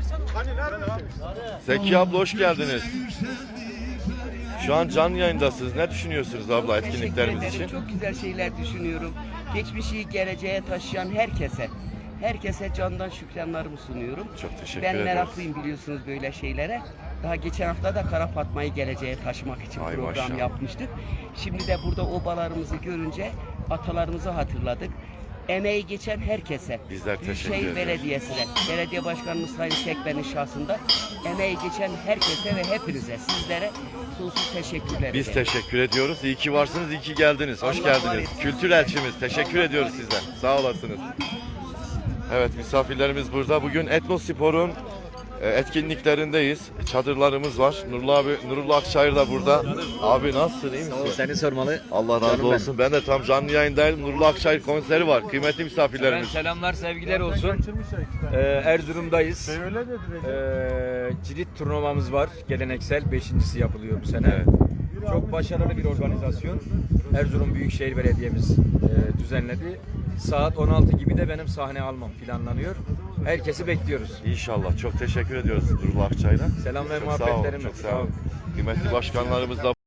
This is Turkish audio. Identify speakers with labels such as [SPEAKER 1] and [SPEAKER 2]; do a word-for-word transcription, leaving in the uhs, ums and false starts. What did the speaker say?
[SPEAKER 1] Zeki abla hoş geldiniz. Şu an canlı yayındasınız. Ne düşünüyorsunuz abla etkinliklerimiz
[SPEAKER 2] Teşekkür
[SPEAKER 1] için?
[SPEAKER 2] ederim. Çok güzel şeyler düşünüyorum. Geçmişi geleceğe taşıyan herkese, herkese candan şükranlarımı sunuyorum.
[SPEAKER 1] Çok teşekkür
[SPEAKER 2] Ben
[SPEAKER 1] ederiz.
[SPEAKER 2] meraklıyım biliyorsunuz böyle şeylere. Daha geçen hafta da Kara Fatma'yı geleceğe taşımak için
[SPEAKER 1] Ay
[SPEAKER 2] program
[SPEAKER 1] maşallah.
[SPEAKER 2] yapmıştık. Şimdi de burada obalarımızı görünce atalarımızı hatırladık. Emeği geçen herkese,
[SPEAKER 1] Bizler teşekkür
[SPEAKER 2] Büyükşehir
[SPEAKER 1] ederiz.
[SPEAKER 2] Belediyesi'ne, Belediye Başkanımız Sayın Sekben'in şahsında emeği geçen herkese ve hepinize, sizlere sonsuz teşekkürler
[SPEAKER 1] Biz
[SPEAKER 2] ederim.
[SPEAKER 1] teşekkür ediyoruz. İyi ki varsınız, iyi ki geldiniz. Hoş
[SPEAKER 2] Allah var
[SPEAKER 1] geldiniz.
[SPEAKER 2] etsin.
[SPEAKER 1] Kültür elçimiz. Teşekkür ediyoruz sizden. Sağ olasınız. Evet, misafirlerimiz burada. Bugün Etnospor'un e, etkinliklerindeyiz. Çadırlarımız var. Nurullah abi, Nurullah Akçayır da burada. Abi nasılsın, iyi misin?
[SPEAKER 3] Seni sormalı.
[SPEAKER 1] Allah razı
[SPEAKER 3] Canım
[SPEAKER 1] olsun. Ben de tam canlı yayındayım. Nurullah Akçayır konseri var. Kıymetli
[SPEAKER 3] Ben
[SPEAKER 1] misafirlerimiz.
[SPEAKER 3] selamlar, sevgiler olsun. Ee, Erzurum'dayız. Ee, cirit turnuvamız var. Geleneksel. Beşincisi yapılıyor bu sene.
[SPEAKER 1] Evet.
[SPEAKER 3] Çok başarılı bir organizasyon. Erzurum Büyükşehir Belediye'miz e, düzenledi. Saat on altı gibi de benim sahne almam planlanıyor. Herkesi bekliyoruz.
[SPEAKER 1] İnşallah. Çok teşekkür ediyoruz Nurullah Akçayır'a.
[SPEAKER 3] Selam ve
[SPEAKER 1] Çok sağ olun,
[SPEAKER 3] muhabbetlerim.
[SPEAKER 1] çok sağ olun. Kıymetli başkanlarımız da